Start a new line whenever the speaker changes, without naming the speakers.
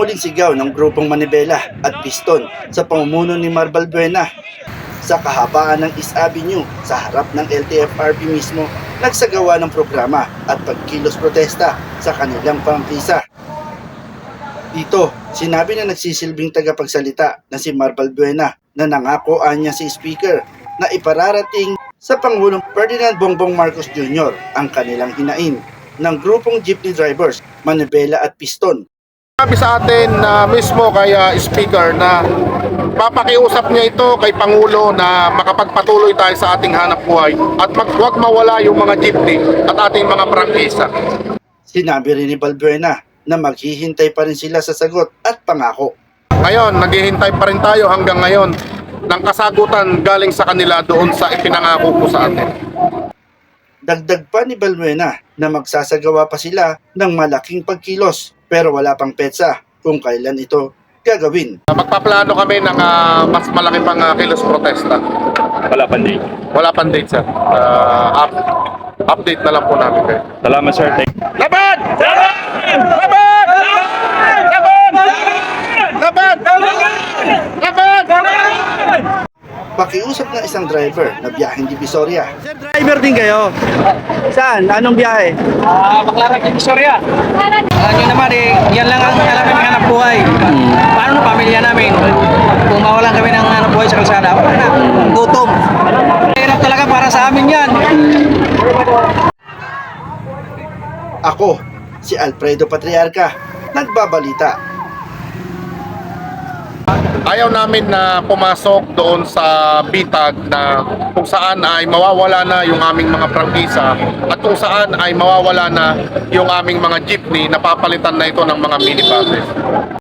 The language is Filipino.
muling sigaw ng grupong Manibela at Piston sa pamumuno ni Mar Balbuena. Sa kahabaan ng East Avenue sa harap ng LTFRB mismo, nagsagawa ng programa at pagkilos protesta sa kanilang prangkisa. Dito, sinabi na nagsisilbing tagapagsalita na si Mar Balbuena na nangako anya si Speaker na ipararating sa Pangulong Ferdinand Bongbong Marcos Jr. ang kanilang hinain ng grupong jeepney drivers, Manibela at Piston.
Sabi sa atin na mismo kay Speaker na papakiusap niya ito kay Pangulo na makapagpatuloy tayo sa ating hanap buhay at huwag mawala yung mga jeepney at ating mga prangkisa.
Sinabi rin ni Balbuena na maghihintay pa rin sila sa sagot at pangako.
Ngayon, naghihintay pa rin tayo hanggang ngayon ng kasagutan galing sa kanila doon sa ipinangako ko sa atin.
Dagdag pa ni Balbuena na magsasagawa pa sila ng malaking pagkilos pero wala pang petsa kung kailan ito gagawin.
Magpaplano kami ng mas malaki pang kilos protesta.
Wala pang date.
Wala pang date, sir. Update na lang po namin kayo.
Salamat, sir.
Laban! Laban! Laban! Laban! Laban! Laban!
Pakiusap ng isang driver na biyaheng Divisoria.
Sir, driver din kayo? Saan? Anong biyahe?
Baclaran ng Visoria. Alam nyo naman yan lang ang alam namin hanap buhay. Paano na pamilya namin? Kung mawalan kami ng hanap buhay sa kalsada, wala na. Gutom. Hirap talaga para sa amin yan.
Ako, si Alfredo Patriarca, nagbabalita.
Ayaw namin na pumasok doon sa bitag na kung saan ay mawawala na yung aming mga prangkisa at kung saan ay mawawala na yung aming mga jeepney na papalitan na ito ng mga minibuses.